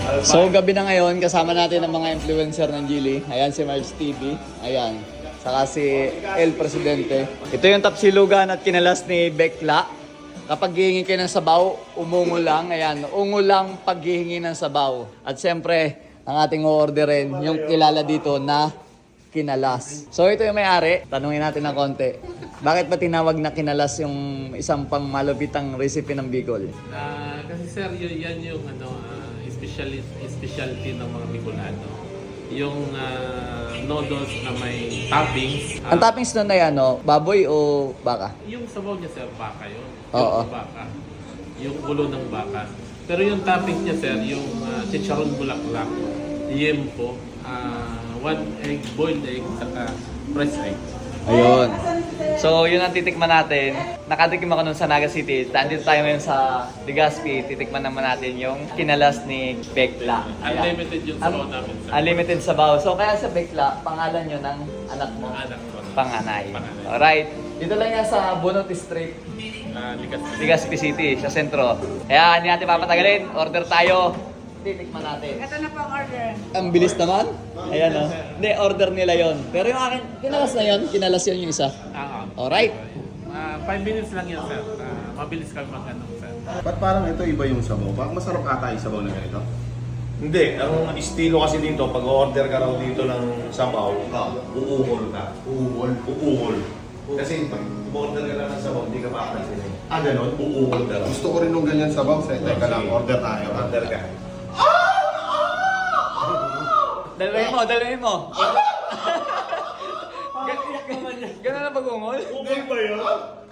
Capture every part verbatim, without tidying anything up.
So gabi na ngayon, kasama natin ang mga influencer ng Geely. Ayan si Marge T V. Ayan. Saka si El Presidente. Ito yung tapsilugan at kinalas ni Bekla. Kapag hihingi kayo ng sabaw, umungo lang. Ayan, ungo lang paghihingi ng sabaw. At siyempre, ang ating orderin, yung kilala dito na kinalas. So ito yung may-ari. Tanungin natin ng konti. Bakit ba tinawag na kinalas yung isang pang malupitang recipe ng Bicol? Ah, kasi sir, yun, yan yung ano, uh, specialty, specialty ng mga Bicolano. Yung ah, noodles na may toppings. ah, Ang toppings nun ay ano, baboy o baka? Yung sabaw niya sir, baka yun. Oo. Yung baka. Yung ulo ng baka. Pero yung toppings niya sir, yung uh, chicharon bulaklak, yempo, uh, one egg, boiled egg, saka fresh egg. Ayun. So, yun ang titikman natin. Nakatikim ako nun sa Naga City. Nandito tayo ngayon sa Legazpi. Titikman naman natin yung kinalas ni Bekla. Ayan. Unlimited yung sabaw namin sir. Unlimited sabaw. So, kaya sa Bekla, pangalan yun ng anak mo? Anak ko. Panganay. Panganay. Alright. Dito lang yan sa Bunot Street, Uh, likas. Legazpi City, sa sentro. Kaya hindi natin papatagalin. Order tayo. Titikman natin. Ito na po ang order. Ang bilis naman. Ayan o. Hindi, order nila yon. Pero yung akin, kinalas na yon. Kinalas yun yung isa. Ah, Alright. uh, five minutes lang yan sir. Uh, mabilis kami mag-ano sir. Ba't parang ito iba yung sabaw? Parang masarap ata yung sabaw na ganito. Hindi, ang estilo kasi dito, pag order ka raw dito ng sabaw, uungol ka. Uungol. Uungol. Kasi pag order ka lang ng sabaw, hindi ka makapansin eh. Ah, ganon? Uungol ka raw. Gusto ko rin nung ganyan sabaw. Sa teka lang, order tayo. Order ka. Dalawin mo, dalawin mo. Ganun na pag-ungol? Ungol ba yun?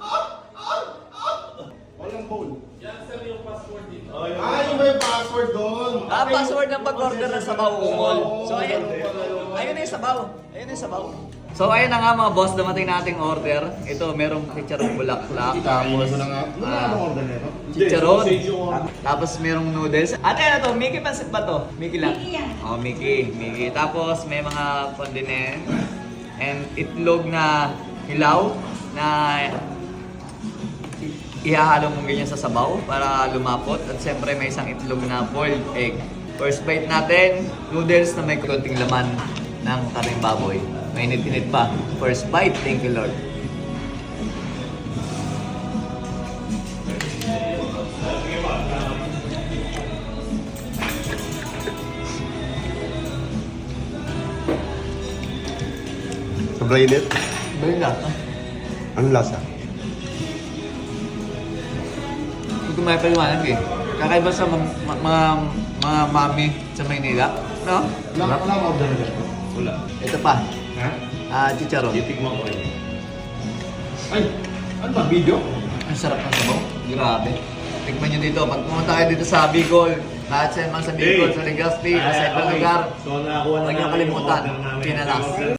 Walang bowl. Yan sir yung password dito. Ah, yung may password doon. Ah, password ng pag-order ng sabaw ungol. So, ayun. Ayun na yung sabaw. Ayun na yung sabaw. So, ayun na nga mga boss, dumating nating order. Ito, merong chicharong bulaklak. Kainin Tapos, mo na nga. Ano ah, ano order nito? chicharon. Sausage yung order. Tapos, merong noodles. Ate, ano to? Mickey Pansit ba to? Mickey lang? Mickey yan. Oh, Mickey. Mickey. Tapos, may mga condiment. And itlog na hilaw na ihahalo mo ganyan sa sabaw para lumapot. At siyempre, may isang itlog na boiled egg. First bite natin, noodles na may konting laman ng karing baboy. Mainit-init pa. First bite, thank you Lord. Sobrang init. Balik na. Ang lasa. Hindi ko may paliwanag eh. Kakaiba sa mga, mga, mga mami sa Maynila. No? Wala wala ang order nito. Wala. Ito pa. Ha? Ah, chicharon. Titikman ko rin. Ay, ano ba? Video? Ang sarap ng sabaw. Grabe. Tikman nyo dito. Pag pumunta kayo dito sa Bicol, lahat sa mga sa Bicol, sa Legazpi, sa ibang lugar, So, nakakuha na huwag niyo namin yung kalimutan. order namin. Kinalas.